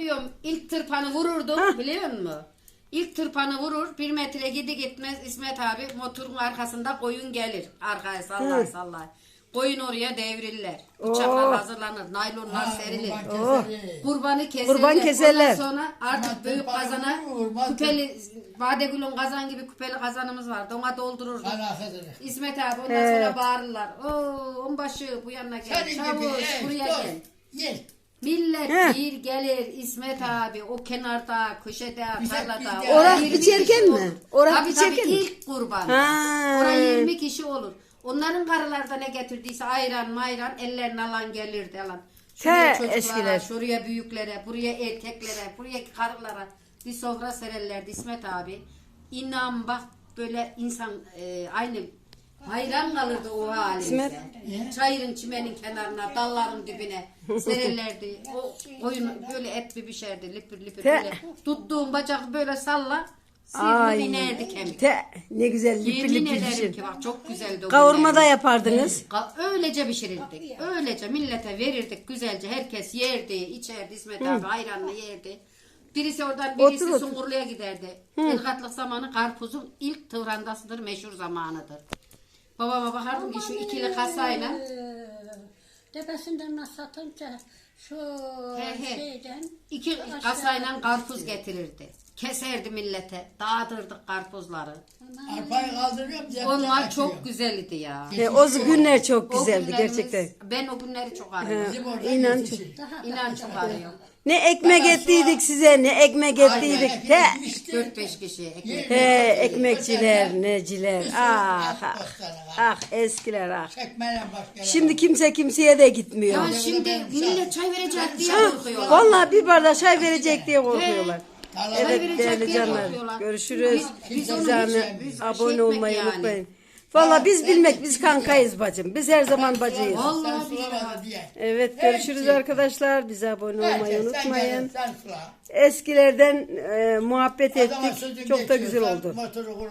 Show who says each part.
Speaker 1: diyorum ilk tırpanı vururdum biliyor musun? İlk tırpanı vurur 1 metre gitmez İsmet abi motorun arkasında koyun gelir. Arkaya sallar. Koyun oraya devrilirler. Bıçaklar hazırlanır. Naylonlar serilir. Kurbanı keserler. Ondan sonra artık büyük kazana küpeli Badegül'ün kazan gibi küpeli kazanımız var. Ona doldururduk. İsmet abi ondan sonra bağırırlar. Onbaşı bu yanına gel. Çavuş buraya gel. Millet bir gelir İsmet abi o kenarda, köşede, tarlada.
Speaker 2: Oraya biçerken mi?
Speaker 1: Tabii ilk kurban. Oraya 20 kişi olur. Onların karılarda ne getirdiyse ayran mayran ellerini alan gelirdi alan. Şuraya çocuklara,
Speaker 2: eskiler.
Speaker 1: şuraya büyüklere, buraya erkeklere, buraya karılara bir sofra sererlerdi İsmet abi. İnan bak böyle insan aynı hayran kalırdı o halimize. Çayırın çimenin kenarına, dalların dibine sererlerdi. O koyun böyle et bir pişerdi, lipir böyle. Tuttuğum bacak böyle salla. Sivri inerdi kemik.
Speaker 2: Ne güzel lipir
Speaker 1: Yemin
Speaker 2: lipir
Speaker 1: ederim
Speaker 2: pişir.
Speaker 1: ki bak çok güzeldi o
Speaker 2: Kavurma da
Speaker 1: günler.
Speaker 2: yapardınız.
Speaker 1: Öylece pişirirdik. Öylece millete verirdik güzelce. Herkes yerdi, içerdi. İsmet abi ayranla yerdi. Birisi oradan birisi Sungurlu'ya giderdi. Irgatlık zamanı karpuzun ilk tıvrandasıdır, meşhur zamanıdır. Babama bakardım ki şu ikili kasayla.
Speaker 3: Tepesinden satınca şu şeyden.
Speaker 1: 2 kasayla karpuz getirirdi. Keserdi millete. Dağıtırdık karpuzları.
Speaker 4: Arpayı kaldırıyorum.
Speaker 1: Onlar çok güzeldi ya.
Speaker 2: O günler çok
Speaker 1: O
Speaker 2: güzeldi
Speaker 1: günlerimiz-
Speaker 2: gerçekten.
Speaker 1: Ben o günleri çok arıyorum.
Speaker 2: İnan.
Speaker 1: İnan çok arıyorum.
Speaker 2: Ne ekmek ettiydik size, ne ekmek ettiydik.
Speaker 1: 4-5 kişi ekmek.
Speaker 2: Ekmekçiler, neciler. Ah eskiler ah.
Speaker 4: Çekmeyle başka.
Speaker 2: Şimdi kimse kimseye de gitmiyor.
Speaker 1: Ya şimdi millet çay verecek diye korkuyorlar.
Speaker 2: Vallahi bir bardak çay verecek diye korkuyorlar. Evet
Speaker 1: verecek
Speaker 2: değerli
Speaker 1: diye
Speaker 2: canlar.
Speaker 1: korkuyorlar.
Speaker 2: Görüşürüz.
Speaker 1: Biz onu hiç
Speaker 2: Abone
Speaker 1: etmek
Speaker 2: olmayı
Speaker 1: yani.
Speaker 2: unutmayın. Vallahi biz bilmek biz kankayız bacım. Biz her zaman bacıyız.
Speaker 1: Vallahi
Speaker 4: diye.
Speaker 2: Evet görüşürüz arkadaşlar. Bize abone olmayı unutmayın.
Speaker 4: Sen sula.
Speaker 2: Eskilerden muhabbet
Speaker 4: Adama
Speaker 2: ettik.
Speaker 4: sözün
Speaker 2: Çok da
Speaker 4: geçiyor,
Speaker 2: güzel
Speaker 4: sen
Speaker 2: oldu.
Speaker 4: motoru